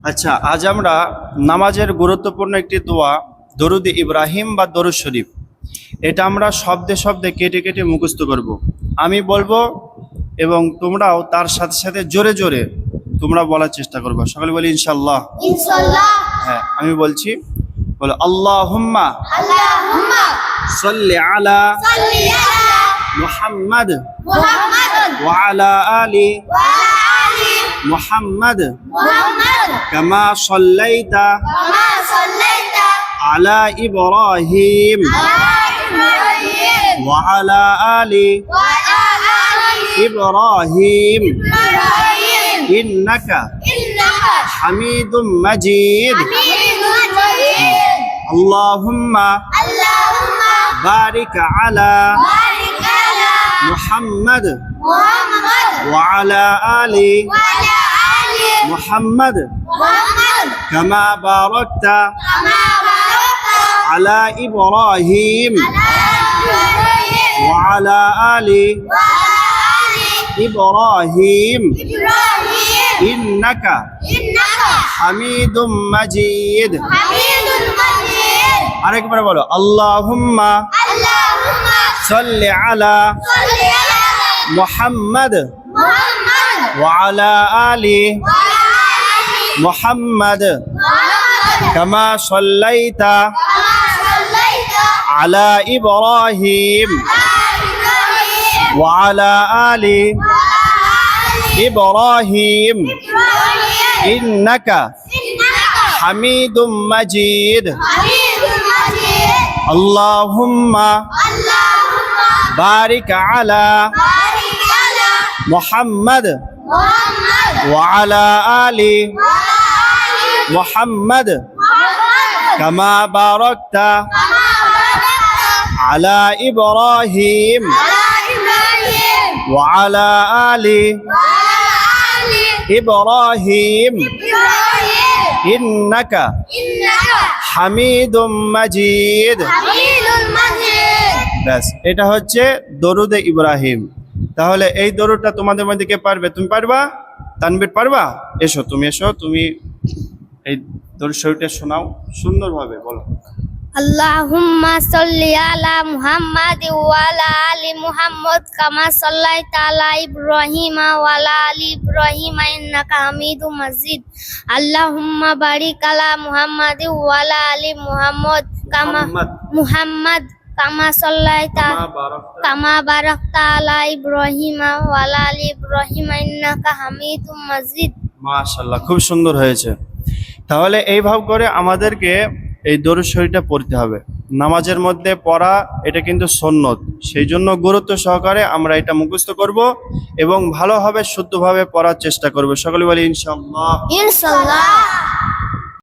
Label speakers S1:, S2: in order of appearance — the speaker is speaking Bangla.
S1: আচ্ছা, আজ আমরা নামাজের গুরুত্বপূর্ণ একটি দোয়া দরুদ ইব্রাহিম বা দরুদ শরীফ, এটা আমরা শব্দে শব্দে কেটে কেটে মুখস্থ করব। আমি বলবো এবং তোমরাও তার সাথে সাথে জোরে জোরে তোমরা বলার চেষ্টা করবে। সকলে বলি ইনশাআল্লাহ।
S2: ইনশাআল্লাহ।
S1: হ্যাঁ, আমি বলছি, বলো আল্লাহুম্মা
S2: আল্লাহুম্মা
S1: সাল্লি আলা
S2: সাল্লি আলা
S1: মুহাম্মাদ
S2: মুহাম্মাদ
S1: ওয়া আলা আলি
S2: ওয়া আলা আলি
S1: মুহাম্মাদ
S2: মুহাম্মাদ
S1: কামা সাল্লাইতা
S2: কামা সাল্লাইতা
S1: আলা ইব্রাহিম
S2: আলা ইব্রাহিম
S1: ওয়া আলা আলি
S2: ওয়া আলা আলি
S1: ইব্রাহিম
S2: ইব্রাহিম
S1: ইন্নাকা
S2: ইন্নাকা
S1: হামিদুম মাজিদ।
S2: হামিদুম মাজিদ।
S1: আল্লাহুম্মা
S2: আল্লাহুম্মা
S1: বারিক আলা
S2: বারিক আলা
S1: মুহাম্মাদ
S2: মুহাম্মাদ
S1: ওয়া আলা আলি
S2: ওয়া আলা আলি
S1: মুহাম্মাদ
S2: মুহাম্মাদ
S1: কামা বারাকতা
S2: কামা বারাকতা
S1: আলা ইব্রাহিম
S2: ইব্রাহিম
S1: ওয়া আলা আলি
S2: ওয়া আলা আলি
S1: ইব্রাহিম
S2: ইব্রাহিম
S1: ইন্নাকা
S2: ইন্নাকা
S1: হামিদুম মাজিদ।
S2: হামিদুল মাজিদ।
S1: আরেকবার বলো আল্লাহুম্মা
S2: আল্লাহুম্মা
S1: সাল্লি আলা
S2: সাল্লি আলা
S1: মুহাম্মাদ
S2: মুহাম্মাদ
S1: ওয়া আলা আলি
S2: ওয়া আলা আলি
S1: মুহাম্মাদ
S2: মুহাম্মাদ
S1: কামা সাল্লাইতা
S2: কামা সাল্লাইতা
S1: আলা ইব্রাহিম
S2: আলা ইব্রাহিম
S1: ওয়া আলা আলি
S2: ওয়া আলা আলি
S1: ইব্রাহিম
S2: ইব্রাহিম
S1: ইন্নাকা
S2: ইন্নাকা
S1: হামিদুম মাজিদ।
S2: হামিদুল মাজিদ।
S1: আল্লাহুম্মা
S2: আল্লাহুম্মা
S1: বারিক আলা
S2: বারিক আলা
S1: মুহাম্মাদ
S2: মুহাম্মাদ
S1: ওয়া আলা আলি
S2: ওয়া আলা আলি
S1: মুহাম্মাদ
S2: মুহাম্মাদ
S1: কামা বারাকতা
S2: কামা বারাকতা
S1: আলা ইব্রাহিম
S2: আলা ইব্রাহিম
S1: ওয়া আলা আলি
S2: ওয়া আলা আলি
S1: ইব্রাহিম
S2: ইব্রাহিম
S1: ইন্নাকা
S2: ইন্নাকা
S1: হামিদুম মাজিদ।
S2: হামিদুল মাজিদ।
S1: ব্যাস, এটা হচ্ছে দরুদে ইব্রাহিম। তাহলে এই দরুদটা তোমাদের মধ্যে কে পারবে? তুমি পারবা? তানবীর পারবা? এসো, তুমি এসো, তুমি এই দরুদ শরীফটা শোনাও সুন্দরভাবে, বলো।
S3: আল্লাহুম্মা সাল্লি আলা মুহাম্মাদ ওয়া আলা আলি মুহাম্মাদ কামা সাল্লাইতা আলা ইব্রাহিম ওয়া আলা আলি ইব্রাহিম ইন্নাকা হামিদুম মাজিদ। আল্লাহুম্মা বারিক আলা মুহাম্মাদ ওয়া আলা আলি মুহাম্মাদ মুহাম্মাদ কামা সাল্লাইতা কামা বারাকতা আলা ইব্রাহিম ওয়া আলা আলি ইব্রাহিম ইন্নাকা হামিদুম মাজিদ।
S1: মাশাআল্লাহ, খুব সুন্দর হয়েছে। তাহলে এইভাবে করে আমাদেরকে এই দরুদ শরীফটা পড়তে হবে। নামাজের মধ্যে পড়া এটা কিন্তু সুন্নত, সেই জন্য গুরুত্ব সহকারে আমরা এটা মুখস্থ করব এবং ভালোভাবে শুদ্ধভাবে পড়ার চেষ্টা করব। সকলে বলি ইনশাআল্লাহ।
S2: ইনশাআল্লাহ।